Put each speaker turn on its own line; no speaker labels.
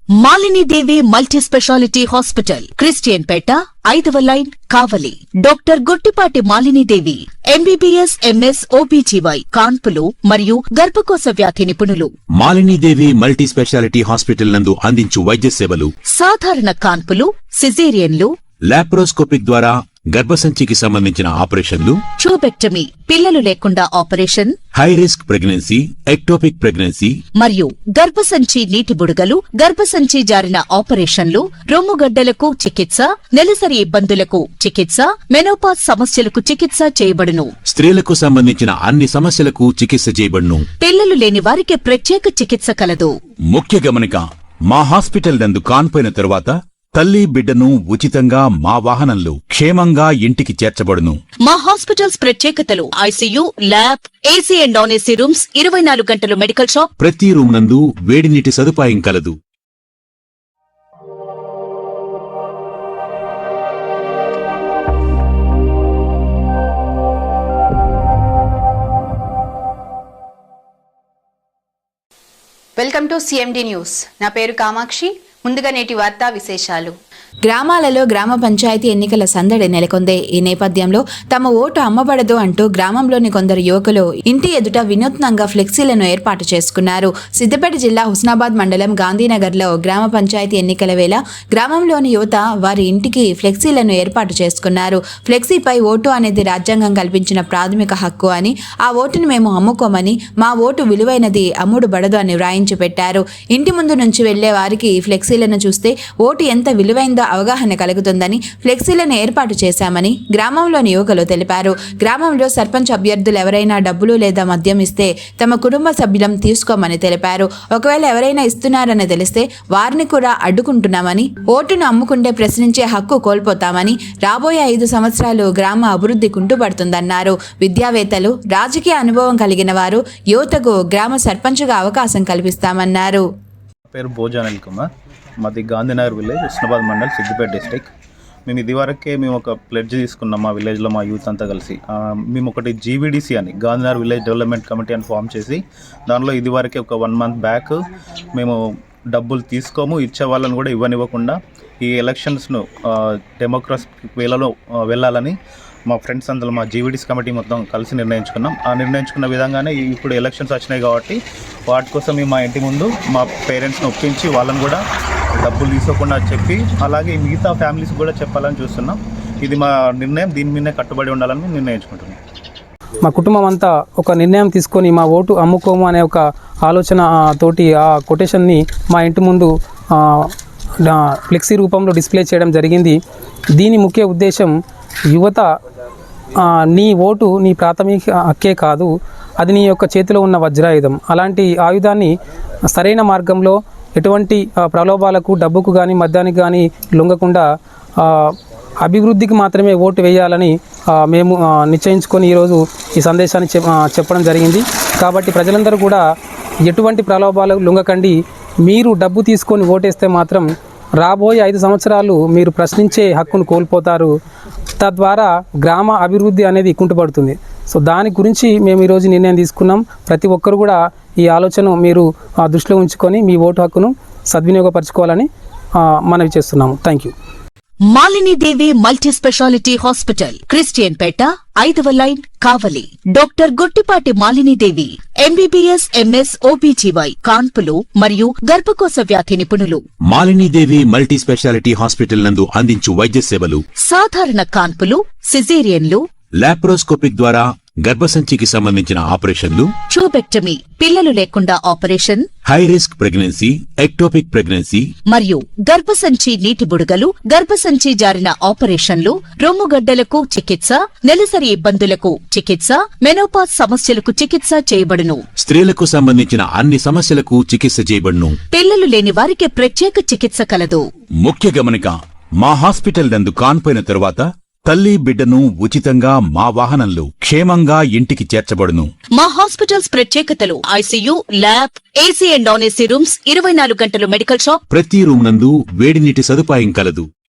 Malini Devi multi speciality hospital, Christian పేట, 5వ line, Kavali. Doctor Guttipati Malini Devi, MBBS, MS, OBGY, కాన్పులు మరియు గర్భకోశ వ్యాధి నిపుణులు.
Malini Devi multi speciality hospital నందు అందించు వైద్య సేవలు:
సాధారణ కాన్పులు, సిజేరియన్లు,
లాప్రోస్కోపిక్ ద్వారా గర్భసంచికి సంబంధించిన ఆపరేషన్లు,
ట్యూబెక్టమీ, పిల్లలు లేకుండా operation,
high risk pregnancy, ectopic pregnancy
మరియు గర్భసంచి నీటి బుడగలు, గర్భసంచి జారిన ఆపరేషన్లు, రొమ్ముగడ్డలకు చికిత్స, నెలసరి ఇబ్బందులకు చికిత్స, మెనోపాజ్ సమస్యలకు చికిత్స చేయబడును.
స్త్రీలకు సంబంధించిన అన్ని సమస్యలకు చికిత్స చేయబడును.
పిల్లలు లేని వారికి ప్రత్యేక చికిత్స కలదు.
ముఖ్య గమనిక: మా హాస్పిటల్ నందు కాన్పోయిన తరువాత తల్లి బిడ్డను ఉచితంగా మా వాహనంలో క్షేమంగా ఇంటికి చేర్చబడును.
మా హాస్పిటల్స్ ప్రత్యేకతలు: ICU, lab, AC and non AC rooms, 24 గంటలు మెడికల్ షాప్,
ప్రతి రూమ్ నందు వేడి నీటి సదుపాయం కలదు.
Welcome to CMD news. నా పేరు కామాక్షి. ముందుగా నేటి వార్తా విశేషాలు. గ్రామాలలో గ్రామ పంచాయతీ ఎన్నికల సందడి నెలకొందే. ఈ నేపథ్యంలో తమ ఓటు అమ్మబడదు అంటూ గ్రామంలోని కొందరు యువకులు ఇంటి ఎదుట వినూత్నంగా ఫ్లెక్సీలను ఏర్పాటు చేసుకున్నారు. సిద్దిపేట జిల్లా హుస్నాబాద్ మండలం గాంధీనగర్లో గ్రామ పంచాయతీ ఎన్నికల వేళ గ్రామంలోని యువత వారి ఇంటికి ఫ్లెక్సీలను ఏర్పాటు చేసుకున్నారు. ఫ్లెక్సీపై ఓటు అనేది రాజ్యాంగం కల్పించిన ప్రాథమిక హక్కు అని, ఆ ఓటును మేము అమ్ముకోమని, మా ఓటు విలువైనది, అమ్ముడు బడదు అని వ్రాయించి పెట్టారు. ఇంటి ముందు నుంచి వెళ్లే వారికి ఫ్లెక్సీలను చూస్తే ఓటు ఎంత విలువైందో అవగాహన కలుగుతుందని ఫ్లెక్సీలను ఏర్పాటు చేశామని గ్రామంలోని యువకులు తెలిపారు. గ్రామంలో సర్పంచ్ అభ్యర్థులు ఎవరైనా డబ్బులు లేదా మద్యం ఇస్తే తమ కుటుంబ సభ్యులం తీసుకోమని తెలిపారు. ఒకవేళ ఎవరైనా ఇస్తున్నారని తెలిస్తే వారిని కూడా అడ్డుకుంటున్నామని, ఓటును అమ్ముకుంటే ప్రశ్నించే హక్కు కోల్పోతామని, రాబోయే 5 సంవత్సరాలు గ్రామ అభివృద్ధి కుంటుపడుతుందన్నారు. విద్యావేత్తలు, రాజకీయ అనుభవం కలిగిన వారు యువతకు గ్రామ సర్పంచ్గా అవకాశం కల్పిస్తామన్నారు.
పేరు భోజన్ అనిల్ కుమార్. మాది గాంధీనగర్ విలేజ్, హుస్నాబాద్ మండల్, సిద్దిపేట డిస్ట్రిక్ట్. మేము ఇదివరకే ఒక ప్లెడ్జ్ తీసుకున్నాం మా విలేజ్లో, మా యూత్ అంతా కలిసి. మేము ఒకటి జీవీడీసీ అని, గాంధీనగర్ విలేజ్ డెవలప్మెంట్ కమిటీ అని ఫామ్ చేసి, దానిలో ఇదివరకే ఒక 1 మంత్ బ్యాక్ మేము డబ్బులు తీసుకోము, ఇచ్చే వాళ్ళని కూడా ఇవ్వనివ్వకుండా ఈ ఎలక్షన్స్ను డెమోక్రసీ వేలలో వెళ్ళాలని మా ఫ్రెండ్స్ అందరూ, మా జీవీడీసీ కమిటీ మొత్తం కలిసి నిర్ణయించుకున్నాం. ఆ నిర్ణయించుకున్న విధంగానే ఇప్పుడు ఎలక్షన్స్ వచ్చినాయి కాబట్టి వాటి కోసం మేము మా ఇంటి ముందు మా పేరెంట్స్ని ఒప్పించి వాళ్ళని కూడా డబ్బులు తీసుకోకుండా చెప్పి, అలాగే మిగతా ఫ్యామిలీస్ కూడా చెప్పాలని చూస్తున్నాం. ఇది మా నిర్ణయం, దీని మీదనే కట్టుబడి ఉండాలని నిర్ణయించుకుంటున్నాం.
మా కుటుంబం అంతా ఒక నిర్ణయం తీసుకొని మా ఓటు అమ్ముకోము అనే ఒక ఆలోచన తోటి ఆ కొటేషన్ని మా ఇంటి ముందు ఫ్లెక్సీ రూపంలో డిస్ప్లే చేయడం జరిగింది. దీని ముఖ్య ఉద్దేశం, యువత, నీ ఓటు నీ ప్రాథమిక హక్కే కాదు, అది నీ యొక్క చేతిలో ఉన్న వజ్రాయుధం. అలాంటి ఆయుధాన్ని సరైన మార్గంలో ఎటువంటి ప్రలోభాలకు, డబ్బుకు కానీ మద్యానికి కానీ లొంగకుండా అభివృద్ధికి మాత్రమే ఓటు వేయాలని మేము నిశ్చయించుకొని ఈరోజు ఈ సందేశాన్ని చెప్పడం జరిగింది. కాబట్టి ప్రజలందరూ కూడా ఎటువంటి ప్రలోభాలకు లొంగకండి. మీరు డబ్బు తీసుకొని ఓటేస్తే మాత్రం రాబోయే 5 సంవత్సరాలు మీరు ప్రశ్నించే హక్కును కోల్పోతారు. తద్వారా గ్రామ అభివృద్ధి అనేది కుంటుపడుతుంది. సో దాని గురించి మేము ఈరోజు నిర్ణయం తీసుకున్నాం. ప్రతి ఒక్కరు కూడా ఈ ఆలోచన మీరు దృష్టిలో ఉంచుకొని మీ ఓటు హక్కును సద్వినియోగపరచుకోవాలని మనవి చేస్తున్నాము. Thank you.
Malini Devi multi speciality hospital, Christian పేట, 5వ line, Kavali. Doctor Guttipati Malini Devi, MBBS, MS, OBGY, కాన్పులు మరియు గర్భకోశ వ్యాధి నిపుణులు.
Malini Devi multi speciality hospital నందు అందించు వైద్య సేవలు:
సాధారణ కాన్పులు, సిజేరియన్లు,
లాప్రోస్కోపిక్ ద్వారా గర్భసంచికి సంబంధించిన ఆపరేషన్లు,
ట్యూబెక్టమీ, పిల్లలు లేకుండా operation,
high risk pregnancy, ectopic pregnancy
మరియు గర్భసంచి నీటి బుడగలు, గర్భసంచి జారిన ఆపరేషన్లు, రొమ్ముగడ్డలకు చికిత్స, నెలసరి ఇబ్బందులకు చికిత్స, మెనోపాజ్ సమస్యలకు చికిత్స చేయబడును.
స్త్రీలకు సంబంధించిన అన్ని సమస్యలకు చికిత్స చేయబడును.
పిల్లలు లేని వారికి ప్రత్యేక చికిత్స కలదు.
ముఖ్య గమనిక: మా హాస్పిటల్ నందు కాన్పోయిన తరువాత తల్లి బిడ్డను ఉచితంగా మా వాహనంలో క్షేమంగా ఇంటికి చేర్చబడును.
మా హాస్పిటల్స్ ప్రత్యేకతలు: ICU, lab, AC and non AC rooms, 24 గంటలు మెడికల్ షాప్,
ప్రతి రూమ్ నందు వేడి నీటి సదుపాయం కలదు.